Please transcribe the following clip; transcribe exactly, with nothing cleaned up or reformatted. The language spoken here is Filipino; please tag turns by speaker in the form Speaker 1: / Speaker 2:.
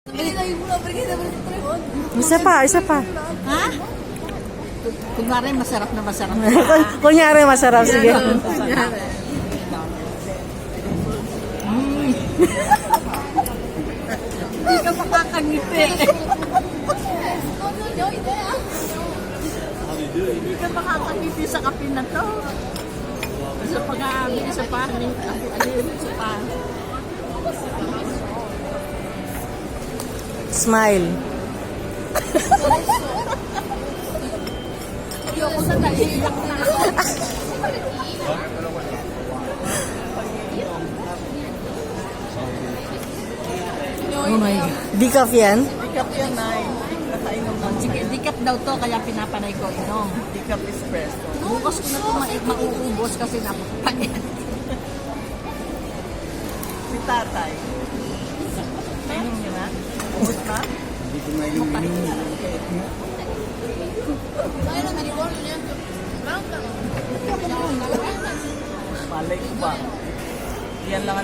Speaker 1: Isa pa, isa pa.
Speaker 2: Ha? Kunwari masarap na masarap.
Speaker 1: Kunyari masarap, sige.
Speaker 2: Hindi ka makakangiti. Hindi ka makakangiti sa kape na to. Sa pag-aabi, sa panin, alin, sa panin.
Speaker 1: Smile.
Speaker 2: Ayoko sa naiiyak na ako.
Speaker 1: Oh my God. Decaf yan?
Speaker 2: Dikap yan, Nay. Nakainom lang. Sige, dikap daw to, kaya pinapanay ko inom. Dikap espresso. Bukas ko na ito ma- mauubos kasi napapagyan. Si tatay. Kainom niyo na? Ubus pa? Hindi ko na inom. Malay ko ba? Yan lang